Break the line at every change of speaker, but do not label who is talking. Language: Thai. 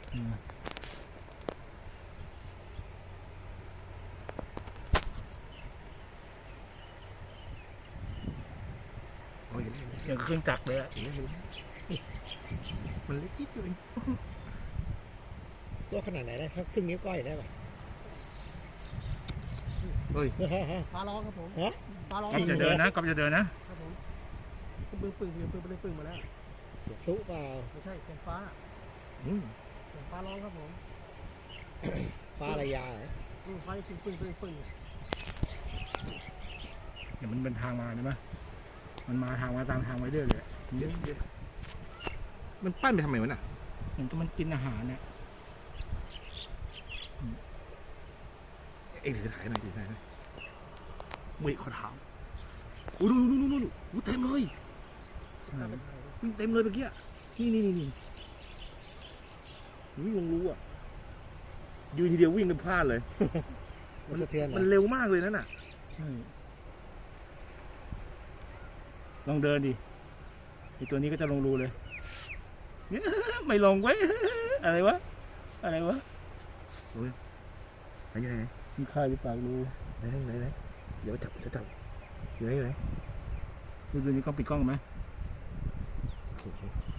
อย่างเครื่องจักรเลยอะ
มันเล็กจิ๊บเลยตัวขนาดไหนนะครับครึ่งนิ้วก้อยได้ป่ะเฮ้ย
ฟ้าร้องครับผมฟ้าร้อง
ก๊อฟจะเดินนะครับ
ผมปึ้งปึ้งมาแล้ว
เสียงพลุเปล่า
ไม่ใช่เสียงฟ้าเสียงฟ้าร้องครับผม
ฟ้าระยาเหรอ
ฟ้าปึ้ง
เดี๋ยวมันเป็นทางมาใช่ไหมมันมาทางมาตามทางไว้เรื่อยเลย
มันปั้นไปทำไมวะน่ะ
มันกินอาหารเนี่ย
เอ็งถือถ่ายหน่อยดิถ่ายหน่อยมือขอถามโอ้ดูเต็มเลยเต็มเลยเมื่อกี้นี่วิ่งลงรู้อ่ะยืนทีเดียววิ่งเป็นพลาดเลยมันเร็วมากเลยนั่นน่ะ
ลองเดินดิไอตัวนี้ก็จะลงรูเลยไม่ลงไว้อะไรวะ
ไหน
มันคายอยู่ปากรู
ไหนเดี๋ยวจับอยู่ไหน
ดูนี้กล้องปิดกล้องไหม
โอเค